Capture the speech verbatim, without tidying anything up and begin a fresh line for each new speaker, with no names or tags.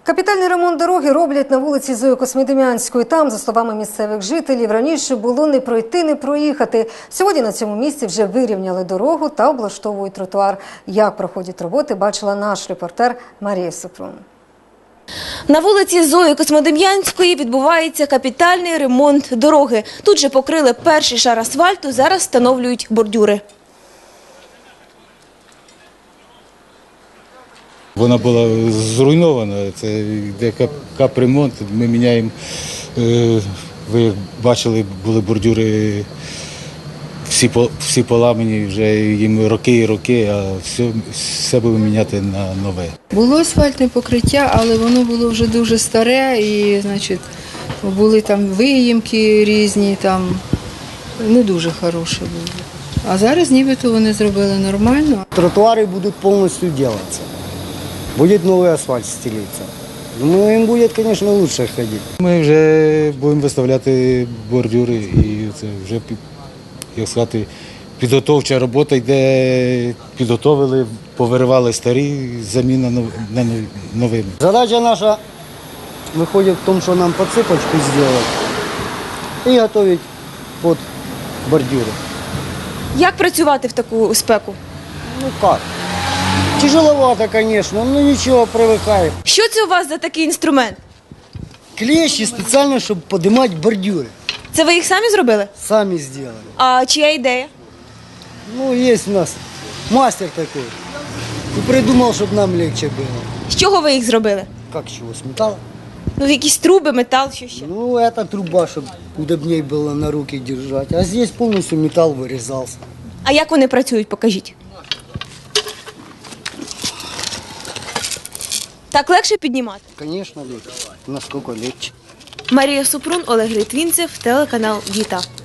Капітальний ремонт дороги роблять на вулиці Зої Космодем'янської. Там, за словами місцевих жителів, раніше було не пройти, не проїхати. Сьогодні на цьому місці вже вирівняли дорогу та облаштовують тротуар. Як проходять роботи, бачила наш репортер Марія Супрун.
На вулиці Зої Космодем'янської відбувається капітальний ремонт дороги. Тут же покрили перший шар асфальту, зараз встановлюють бордюри.
Вона була зруйнована, це йде капремонт, ми міняємо, ви як бачили, були бордюри всі, всі поламані, вже їм роки і роки, а все, все будемо міняти на нове.
Було асфальтне покриття, але воно було вже дуже старе і, значить, були там виїмки різні, там не дуже хороше було. А зараз нібито вони зробили нормально.
Тротуари будуть повністю робитися. Буде новий асфальт стелитися. Думаю, їм буде, звісно, краще ходити.
Ми вже будемо виставляти бордюри і це вже, як сказати, підготовча робота йде, підготовили, повиривали старі, заміна на новими.
Задача наша виходить в тому, що нам підсипочку зробити і готувати під бордюри.
Як працювати в таку спеку?
Ну як? Тяжеловато, звісно, ну нічого, привикаємо.
Що це у вас за такий інструмент?
Клещі спеціально, щоб підіймати бордюри.
Це ви їх самі зробили?
Самі зробили.
А чия ідея?
Ну, є у нас мастер такий. І придумав, щоб нам легче було.
З чого ви їх зробили?
Як чого, з металу?
Ну, якісь труби, метал, що ще?
Ну, это труба, чтобы удобнее было на руки держать. А здесь полностью металл вырезался.
А як вони працюють, покажіть. Так легше піднімати?
Конечно, легче. Насколько легче.
Марія Супрун, Олег Литвинцев, телеканал «Віта».